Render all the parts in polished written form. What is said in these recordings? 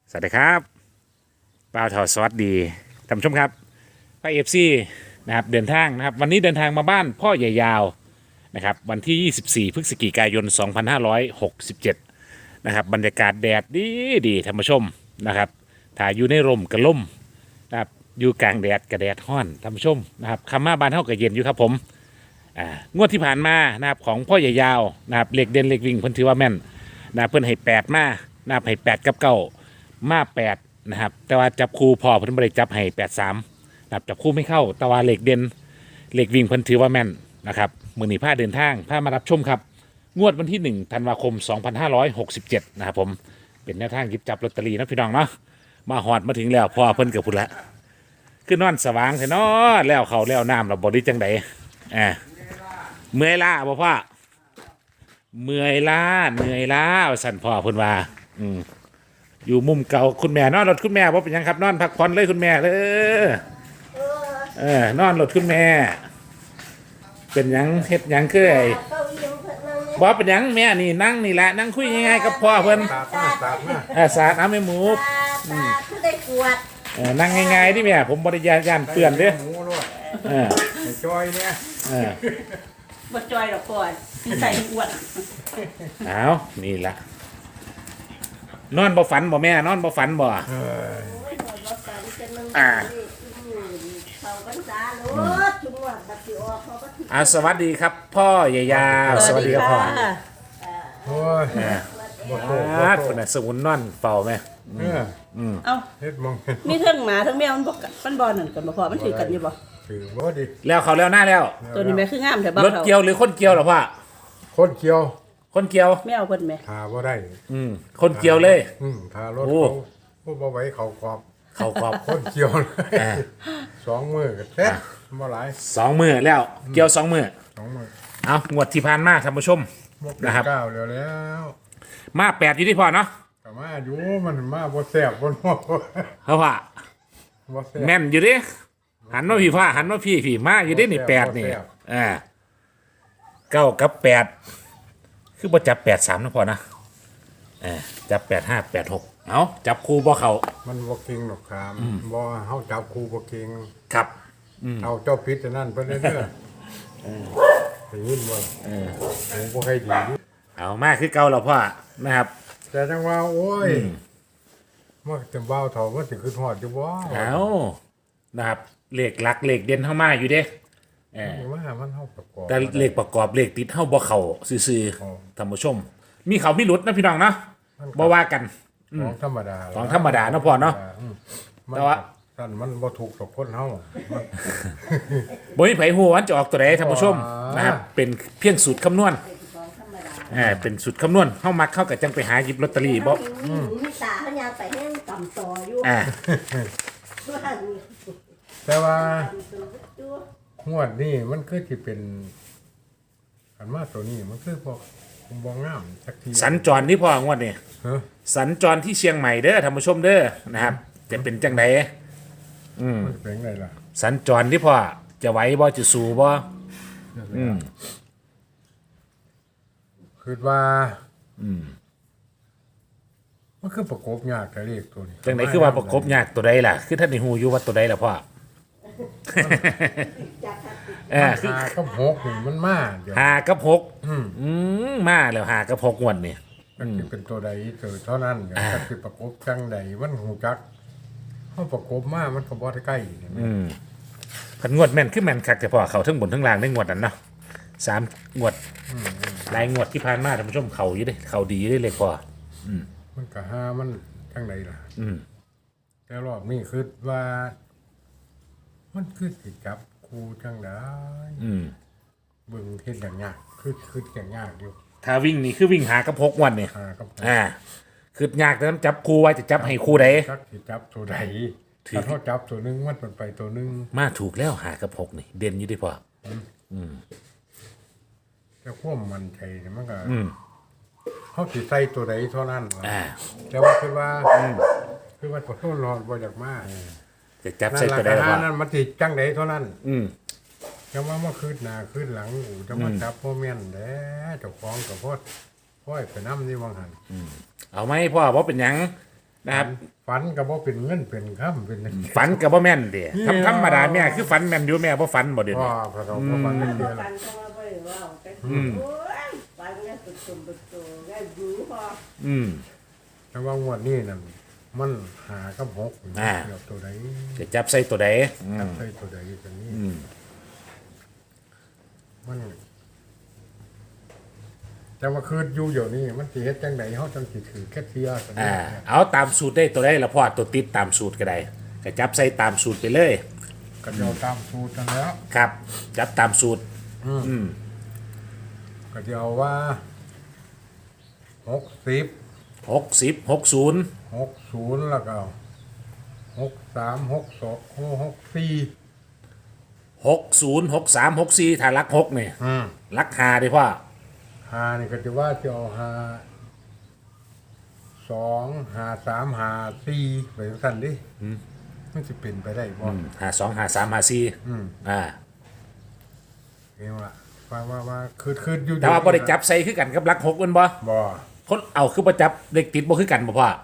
สวัสดีครับป้าวทอสวัสดีท่านผู้ชมครับพระเอฟซีนะครับเดินทางนะครับวันนี้เดินทางมาบ้านพ่อใหญ่ยาวนะครับวันที่ 24 พฤศจิกายน 2567นะครับบรรยากาศแดดดีท่านผู้ชมนะครับถ้าอยู่ในร่มกระล่มนะครับอยู่กลางแดดกระแดดห้อนท่านผู้ชมนะครับคำมาบ้านเท่ากับเย็นอยู่ครับผมงวดที่ผ่านมานะครับของพ่อใหญ่ยาวนะครับเหล็กเด่นเหล็กวิ่งเพิ่นถือว่าแม่นนะเพิ่นให้8มานะครับให้8กับ9มา8นะครับแต่ว่าจับคู่พอเพิ่นบ่ได้จับให้83นะครับจับคู่ไม่เข้าแต่ว่าเหล็กเด่นเหล็กวิ่งเพิ่นถือว่าแม่นนะครับมื้อนี้พาเดินทางพามารับชมครับงวดวันที่1ธันวาคม2567นะครับผมเป็นแนวทางหยิบจับลอตเตอรี่นะพี่น้องเนาะมาฮอดมาถึงแล้วพอเพิ่นกับพุ่นละคือนอนสว่างแท้เนาะแล้วเขาแล้วน้ำเราบ่ได้จังไดเมื่อยล้าบ่พ่อเมื่อยล้าสั่นพ่อเพิ่นว่าอยู่มุมเก่าคุณแม่นอนรถคุณแม่ว่าเป็นยังครับนอนพักผ่อนเลยคุณแม่นอนรถคุณแม่เป็นยังเฮ็ดยังคือไอ้บ่เป็นยังแม่นี่นั่งนี่แหละนั่งคุยง่ายๆกับพ่อเพิ่นสาดน้ำให้หมูได้กวดนั่งง่ายๆดิแม่ผมบ่ได้ย่านเปื้อนเด้จอยเนี่ยบ่จอยดอกก่อนใส่อวดเอานี่ล่ะนอนบ่ฝันบ่แม่นอนบ่ฝันบ่สวัสดีครับพ่อใหญ่ยาวสวัสดีครับพ่อโอ้ยคนน่ะสมุนนอนเฝ้าแม่เอ้าเฮ็ดมองมีเทิงหมาเทิงแมวมันบ่นั่นกันบ่พอมันถือกันอยู่บ่ถือบ่ดิแล้วเขาแล้วหน้าแล้วตัวนี้แม่คืองามแต่บ่รถเกี่ยวหรือคนเกี่ยวหรอพ่อคนเกี่ยวคนเกี่ยวแมวเพิ่นแม่หาบ่ได้คนเกี่ยวเลยหารถเขาบ่ไหวเขากรอบคนเกี่ยวเลย2มื้อก็เสร็จบ่หลาย 2มื้อแล้วเกี่ยว2มื้อเอางวดที่ผ่านมาท่านผู้ชมนะครับก้าวแล้วมา8อยู่ที่พ่อเนาะก็มาอยู่มันมาบ่แซ่บบ่นัวเพราะว่าแม่นอยู่ดิหันมาพี่พ่อหันมาพี่มาอยู่ดินี่8นี่9กับ8คือบ่จับ83นะพ่อนะจับ8586เอาจับคู่บ่เข้ามันบ่เก่งหรอกครับบ่เฮาจับคู่บ่เก่งครับเอาเจ้าพิษนั่นเพิ่นเด้อได้ยินบ่ผมบ่ให้ดีเอามาคือเก่าแล้วพ่อนะครับแต่จังว่าโอ้ยมันจะเบาเท่ามันสิขึ้นฮอดอยู่บ่เอานะครับเลขหลักเลขเด่นเฮามาอยู่เด้ว่ามันเฮาประกอบแต่เลขประกอบเลขติดเฮาบ่เข้าซื่อๆท่านผู้ชมมีเขามีหลุดนะพี่น้องเนาะบ่ว่ากันของธรรมดาเนาะพ่อเนาะแต่ว่าท่านมันบ่ถูกกับคนเฮาบ่มีไผฮู้ว่าจะออกตัวใดท่านผู้ชมนะครับเป็นเพียงสูตรคำนวณเป็นสูตรคำนวณเฮามักเข้ากับจังไปหาหยิบลอตเตอรี่บ่มีตาเฮายางไปให้ต่ำต่ออยู่แต่ว่างวดนี้มันคือสิเป็นอันมาตัวนี้มันคือบ่งามสักทีสัญจรที่พ่องวดนี้สัญจรที่เชียงใหม่เด้อท่านผู้ชมเด้อนะครับจะเป็นจังไดเป็นไงล่ะสัญจรที่พ่อจะไหวบ่จะสู้บ่คือว่ามันคือประกบยากกับเลขตัวนี้จังไดคือว่าประกบยากตัวใดล่ะคือท่านนี่ฮู้อยู่ว่าตัวใดล่ะพ่อ 5 กับ 6นี่มันมาเดี๋ยว 5 กับ 6มาแล้ว5 กับ 6งวดนี่มันสิเป็นตัวใดเท่านั้นก็สิประกบจังใดมันฮู้จักเฮาประกบมามันก็บ่ได้ใกล้พันงวดแม่นคือแม่นคักแต่พ่อเขาทั้งบนทั้งล่างได้งวดนั้นเนาะ3งวดหลายงวดที่ผ่านมาท่านผู้ชมเขาอยู่เด้เขาดีได้เลยพ่อมันก็หามันจังใดล่ะแต่รอบนี้คือว่ามันคือสิจับคู่จังได๋เบิ่งเฮ็ดอย่างยากคืออย่างยากอยู่ถ้าวิ่งนี่คือวิ่งหากับ6งวดนี่คือยากแต่นจับคู่ไว้จะจับให้คู่ใดจักสิจับตัวใดถ้าเขาจับตัวนึงมันไปตัวนึงมาถูกแล้วหากับ6นี่เด่นอยู่ดิพ่อแต่ความมั่นใจมันก็เขาสิใส่ตัวใดเท่านั้นแต่ว่าคือว่าขอโทษรอบ่อยากมาจะจับใส่ตัวใดว่านั่นมันสิจังใดเท่านั้นจะว่ามาขึ้นหน้าขึ้นหลังจะมาจับพ่อแม่นแท้เจ้าของก็พ่อไปนำนี่ว่าหั่นเอาไหมพ่อบ่เป็นหยังนะครับฝันก็บ่เป็นเงินเป็นค่ำเป็นฝันกับบ่แม่นเด้ธรรมดาแม่คือฝันแม่นอยู่แม่บ่ฝันบ่เดี๋ยวพ่อนี้พระเราก็ฝันเป็นเดือนปัละนก็มาบ่ได้เว้าแต่โอ้ยปันเนี่ยตุ่มๆตุ่มๆแล้วอยู่พออืมแต่ว่างวดนี้นั่นมันหากับหกอ่าเกี่ยวตัวใดจะจับใส่ตัวใดอืมใส่ตัวใดตัวนี้อืมมันแต่ว่าคืออยู่เดี๋ยวนี้มันสิเฮ็ดจังไดเฮาจังสิถือแค่เทียตัวนี้เอาตามสูตรได้ตัวใดละพ่อตัวติดตามสูตรก็ได้ก็จับใส่ตามสูตรไปเลยก็จะเอาตามสูตรนั่นแล้วครับ จับตามสูตร อืมก็จะเอาว่า60 60 60 60แล้วก็63 62 64 60 63 64ถ้ารัก6นี่รัก5ได้พ่อหานี่ก็จะว่าจะเอาหา2หา3หา4ไปสั่นดิมันสิเป็นไปได้บ่ 52 53 54 เองว่าคืออยู่แต่ว่าบ่ได้จับใส่คือกันกับรัก6แม่นบ่บ่คนเอาคือบ่จับเลขติดบ่คือกันบ่พ่อ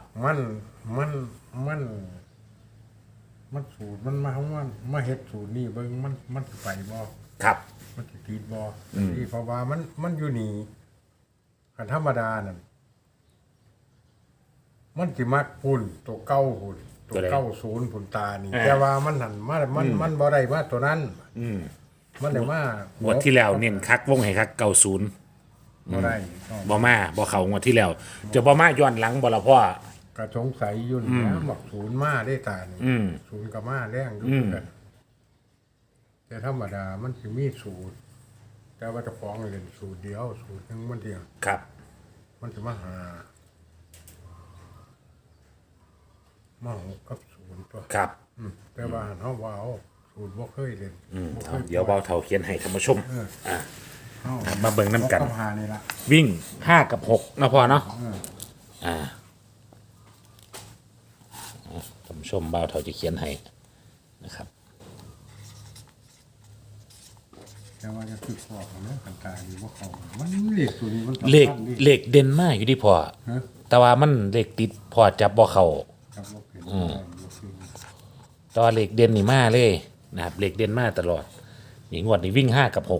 มันสูตรมันมาเฮ็ดสูตรนี่เบิ่งมันสิไปบ่ครับมันสิติดบ่ที่เพราะว่ามันอยู่นี่คันธรรมดานั่นมันสิมักปุ่นตัวเก้าหุ่นตัวเก้าศูนย์ปุ่นตานี่แต่ว่ามันหันมันบ่ได้มาตัวนั้นมันได้มางวดที่แล้วเน้นคักวงให้คัก90 บ่ได้บ่มาบ่เข้างวดที่แล้ว จะบ่มาย้อนหลังบ่ล่ะพ่อก็สงสัยอยู่นี่นะบอกศูนย์มาได้ตานี่อืมศูนย์กับมาแรงอยู่กัน แต่ธรรมดามันสิมีสูตร แต่ว่าเจะฟ้าของเล่นสูตรเดียว สูตรหนึงมันเดียวครับมันจะมาหามาหกกับศูนย์ตัวครับแต่ว่าเฮาว่าเอาสูตรบ่เคยเล่นบ่เคเอายเดี๋ยวเบาเท่าเขียนให้ท่านผู้ชมเฮามาเบิ่งน้ำกันหกับหานี่ล่ะวิ่ง5กับ6นะพ่อเนาะท่านผู้ชมเบาเท่าจะเขียนให้นะครับแต่ว่าจะคือพอของเรื่องต่างๆนี่บ่เข้ามันเลขตัวนี้มันสำคัญเลขดิเลขเด่นมากอยู่ที่พ่อฮะแต่ว่ามันเลขติดพ่อจับบ่เข้าครับบ่เป็นบ่คือแต่ว่าเลขเด่นนี่มาเลยนะครับเลขเด่นมาตลอดนี่งวดนี้วิ่ง5กับ6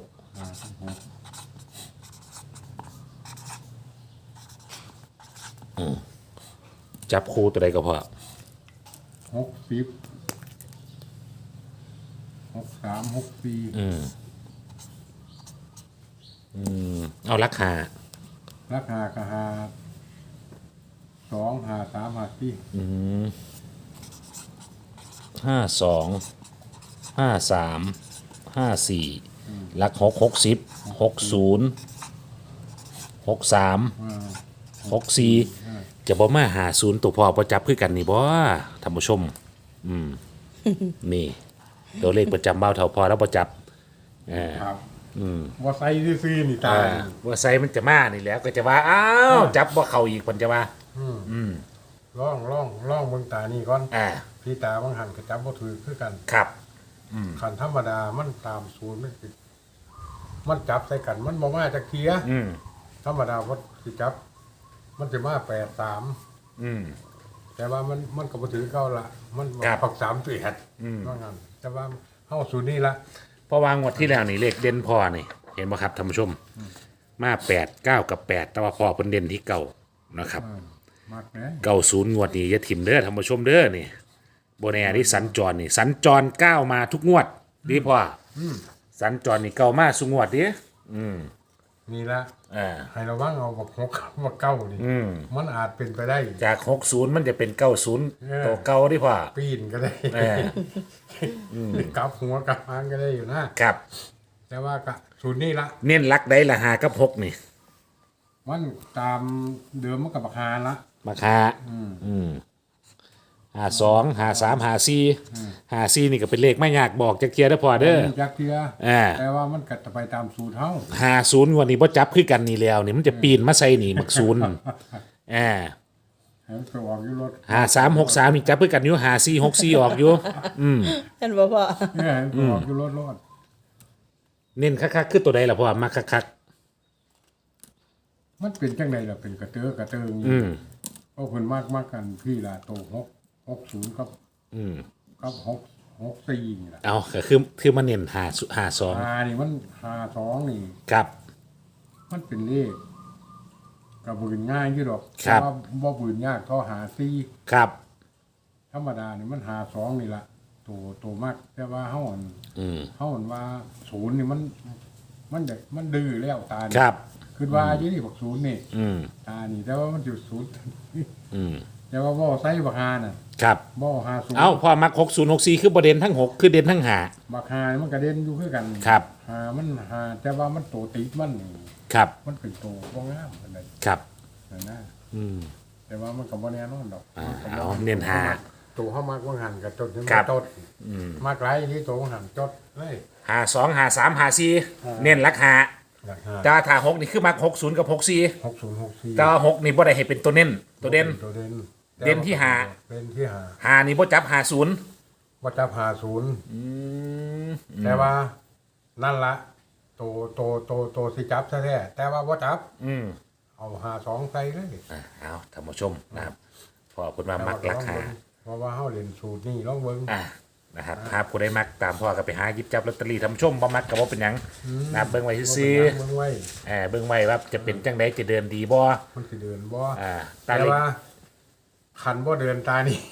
จับคู่ตัวใดก็พอ 60 63 64 เอาราคาราคาก็หา2หา3หา4 52 53 54ลัก6 60 60 63 64จะบ่มา50ตัวพอประจับคือกันนี่บ่ท่านผู้ชม นี่ ตัวเลขประจำเบ้าเท่าพอแล้วประจับครับว่าใส่ซื่อๆนี่ตายว่าไซมันจะมานี่แหล้วก็จะว่าอ้าวจับบ่เข้าอีกเพิ่นจะว่าล่องเบิ่งตานี่ก่อนอ่าพี่ตาบางหันก็จับบ่ถือคือกันครับคันธรรมดามันตามศูนย์มันจับใส่กันมันบ่มาจักเทียธรรมดาว่าสิจับ มันจะมา83แต่ว่ามันก็บ่ถือเก่าละมันปัก3ตัวว่างั้นแต่ว่าเฮาศูนย์นี่ละเพราะวางวดที่แล้วนี่เลขเด่นพอนี่ เห็นบ่ครับท่านผู้ชม มา8 9กับ8แต่ว่าพอเพิ่นเด่นที่เก่านะครับมักแหน่ 90งวดนี้อย่าถิ่มเด้อท่านผู้ชมเด้อนี่บ่แน่นี่สัญจรนี่สัญจร9มาทุกงวดดีพ่อสัญจรนี่เก่ามาสุงวดดินี่ละ ให้ระวังเอาบัก6กับเก้านี่มันอาจเป็นไปได้จาก60มันจะเป็น90ตัวเก่าดิพ่อปีนก็ได้เออกลับหัวกลับหางก็ได้อยู่นะครับ แต่ว่าก็ศูนย์นี่ละเน้นลักได้ละ5กับ6นี่มันตามเดิมมันกับราคาละมาคา52 53 54นี่ก็เป็นเลขไม่ยากบอกจักเทียได้อพอเด้อจักเทือ แต่ว่ามันกัดไปตามสูตรเฮา 50งวดนี้บ่จับคือกันนี่แล้วนี่มันจะปีนมาใส่นี่มักศูนย์ให้มันไปออกอยู่รถ 5363นี่จับคือกันอยู่5464ออกอยู่เห็นบ่พ่อให้มันไปออกอยู่รถเน้นคักๆคือตัวใดล่ะพ่อมักคักมันเป็นจังไดล่ะเป็นกระเตื้อกระเติงอืมก็คนมากกันพี่ละโต60กับอืมกับ64นี่ล่ะเอาก็คือมันเน้น52 นี่มัน52นี่ครับมันเป็นเลขก็บ่เป็นง่ายอยู่ดอกครับแต่ว่าบ่บืนยากก็54 ครับธรรมดานี่มัน52นี่ล่ะตัวมากแต่ว่าเฮาอันอืมเฮาอันว่า0นี่มันดื้อแล้วตานี่ครับคือว่าอยู่นี่บอก0นี่อืมตานี่แต่ว่ามันอยู่0 อืมแต่ว่าบ่ใส่บักฮาน่ะครับบ่50 เอ้าพอมัก6064คือประเด็นทั้ง 6 คือเด่นทั้งหาบักฮานี่มันกระเด็นอยู่คือกันครับหามันหาแต่ว่ามันโตติดมันนี่ครับมันเป็นโตบ่งามปานใดครับนั่นนะอืมแต่ว่ามันก็บ่แน่นอนดอกเอาเน้นหาตัวเฮามักว่างหันก็จดนี่ครับจดมากหลายที่ตัวว่างหันจดเลย 52 53 54เน้นหลักหาหลักหาแต่ว่าถ้า6นี่คือมัก60กับ64 6064 แต่ว่า6นี่บ่ได้ให้เป็นตัวเน้นตัวเด่นตัวเด่นเด่นที่หาเด่นที่หาหานี่บ่จับ50 บ่จับ50แต่ว่านั่นละตัวสิจับซะแท้แต่ว่าบ่จับอืมเอา52ใส่เลยเอาท่านผู้ชมนะครับพอคุณมามักราคาเพราะว่าเฮาเล่นสูตรนี่ลองเบิ่งนะครับถ้าผู้ใดมักตามพ่อก็ไปหาหยิบจับลอตเตอรี่ท่านผู้ชมบ่มักก็บ่เป็นหยังนะครับเบิ่งไว้ซื่อเบิ่งไว้เบิ่งไว้ว่าจะเป็นจังไดจะเดินดีบ่มันสิเดินบ่ตาแต่เล็กว่าคันบ่เดินตานี่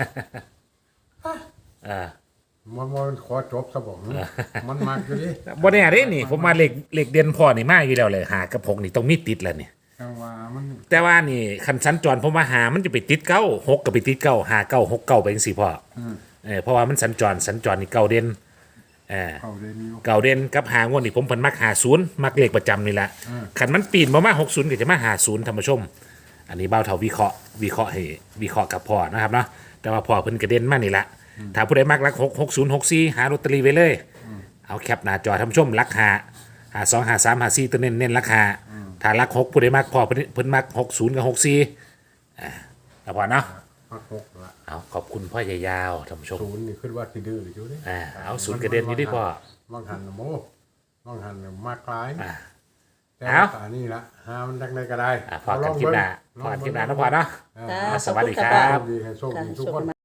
อ่ามันขอจบซะบ่มันมักอยู่ดิบ่แน่เด้นี่ผมมาเลขเด่นพ่อนี่มาอยู่แล้วเลยหากับ6นี่ต้องมีติดแล้วนี่จังว่ามันแต่ว่านี่คันสัญจรผมว่าหามันจะไปติดเก้า6ก็ไปติดเก้าหาเก้า6เก้าไปจังซี่พ่อเพราะว่ามันสัญจรนี่เก้าเด่นเข้าเดินอยู่เก่าเด่นกับหางวดนี่ผมเพิ่นมัก50มักเลขประจำนี่แหละคันมันปีนบ่มา60ก็จะมา50ท่านผู้ชม อันนี้เบ้าเท่าวิเคราะห์ให้วิเคราะห์กับพ่อนะครับเนาะแต่ว่าพ่อเพิ่นกระเด็นมานี่ละถ้าผู้ใดมักรัก6064หาลอตเตอรี่ไว้เลยเอาแคปหน้าจอท่านผู้ชมรักหา2หา3หา4ตัวเน้นราคาถ้ารัก6ผู้ใดมักพ่อเพิ่นมัก60กับ64แล้วพอเนาะมัก6ละเอาขอบคุณพ่อใหญ่ยาวท่านผู้ชมศูนย์นี่คิดว่าสิดื้ออยู่ดิเอาศูนย์กระเด็นอยู่ดิพ่อบางหันน่ะโมบางหันน่ะมากหลายแต่เอาว่าตานี่ละหามันจังได๋ก็ได้พอกันคลิปหน้าพอกันคลิปหน้าเนาะพ่อเนาะจ้าสวัสดีครัขอณบดีให้โชคดีทุกคน